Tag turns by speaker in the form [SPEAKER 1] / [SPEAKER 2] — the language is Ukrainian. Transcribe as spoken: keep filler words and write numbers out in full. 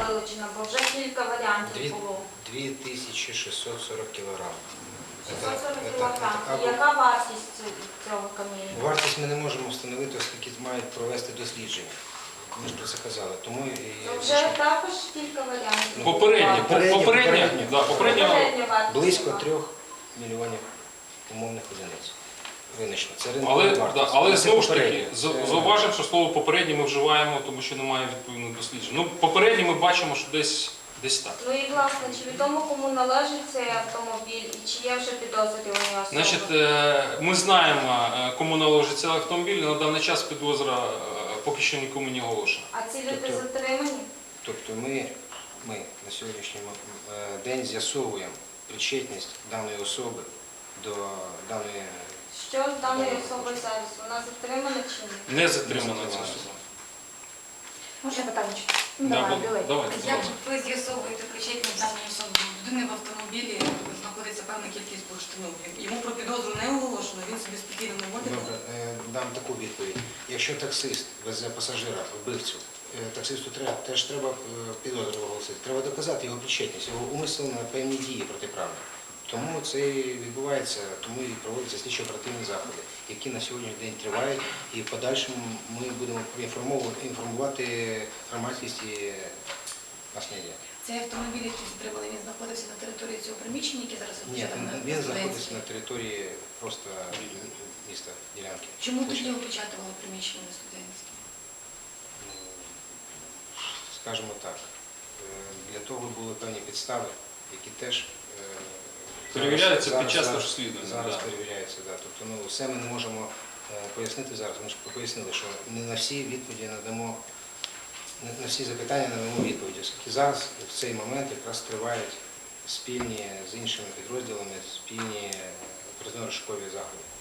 [SPEAKER 1] вилучена, бо вже кілька варіантів було.
[SPEAKER 2] дві тисячі шістсот сорок кілограм.
[SPEAKER 1] шістсот сорок кілограм. Яка вартість цього каміння?
[SPEAKER 2] Вартість ми не можемо встановити, оскільки мають провести дослідження. Ми ж про це казали. Тому і...
[SPEAKER 1] Ну, вже також кілька варіантів.
[SPEAKER 3] Попереднє,
[SPEAKER 2] Попереднє,
[SPEAKER 3] попереднє,
[SPEAKER 2] попереднє.
[SPEAKER 3] да, попереднє,
[SPEAKER 1] Попередня вартість.
[SPEAKER 2] Близько трьох мільйонів умовних одиниць. Винищено. Це ринкова
[SPEAKER 3] але,
[SPEAKER 2] вартість.
[SPEAKER 3] да, але
[SPEAKER 2] Це
[SPEAKER 3] знову ж таки,
[SPEAKER 2] попереднє.
[SPEAKER 3] за-
[SPEAKER 2] Це-
[SPEAKER 3] зауважимо, що слово попереднє ми вживаємо, тому що немає відповідних досліджень. Ну, попереднє ми бачимо, що десь, десь так.
[SPEAKER 1] Ну і власне, чи відомо кому належить цей автомобіль і чи є вже підозрювані особи?
[SPEAKER 3] Значить, е, ми знаємо, е, кому належить цей автомобіль, на даний час підозра е, поки що нікому не оголошена.
[SPEAKER 1] А ці люди
[SPEAKER 2] Тобто-
[SPEAKER 1] затримані?
[SPEAKER 2] Тобто ми, ми на сьогоднішній е, день з'ясовуємо причетність даної особи до даної...
[SPEAKER 1] Що з даною особою зараз? Вона затримана чи ні?
[SPEAKER 3] Не затримана ця особа.
[SPEAKER 4] Можна питання?
[SPEAKER 3] Да,
[SPEAKER 4] Давай,
[SPEAKER 3] бу-
[SPEAKER 4] Білий.
[SPEAKER 3] давайте,
[SPEAKER 5] Як
[SPEAKER 3] давайте.
[SPEAKER 5] ви з'ясовуєте причетність даної особи? У людини в автомобілі знаходиться певна кількість бурштину. Йому про підозру не оголошено, він собі спокійно не водить.
[SPEAKER 2] Добре, е, дам таку відповідь. Якщо таксист везе пасажира, вбивцю, е, таксисту треба, теж треба е, підозру оголосити. Треба доказати його причетність, його умисел на певні дії протиправні. Тому це і відбувається, тому і проводяться слідчо-оперативні заходи, які на сьогоднішній день тривають, і в подальшому ми будемо інформовувати, інформувати громадськість і наслідя.
[SPEAKER 5] Цей автомобіль, який затримали, він знаходився на території цього приміщення, яке зараз
[SPEAKER 2] Ні,
[SPEAKER 5] розміщено на
[SPEAKER 2] він знаходиться
[SPEAKER 5] студентській.
[SPEAKER 2] на території просто міста ділянки.
[SPEAKER 5] Чому тоді опечатували приміщення на студентській?
[SPEAKER 2] Ну, скажімо так, е, для того були певні підстави, які теж е,
[SPEAKER 3] Перевіряються
[SPEAKER 2] зараз-
[SPEAKER 3] під час
[SPEAKER 2] зараз-
[SPEAKER 3] розслідування,
[SPEAKER 2] Зараз
[SPEAKER 3] да.
[SPEAKER 2] перевіряються, да. Тобто, ну, все ми не можемо е, пояснити зараз. Ми ж пояснили, що не на всі відповіді надамо, не на всі запитання надамо відповіді. Оскільки зараз в цей момент якраз тривають спільні з іншими підрозділами, спільні оперативно-розшукові заходи.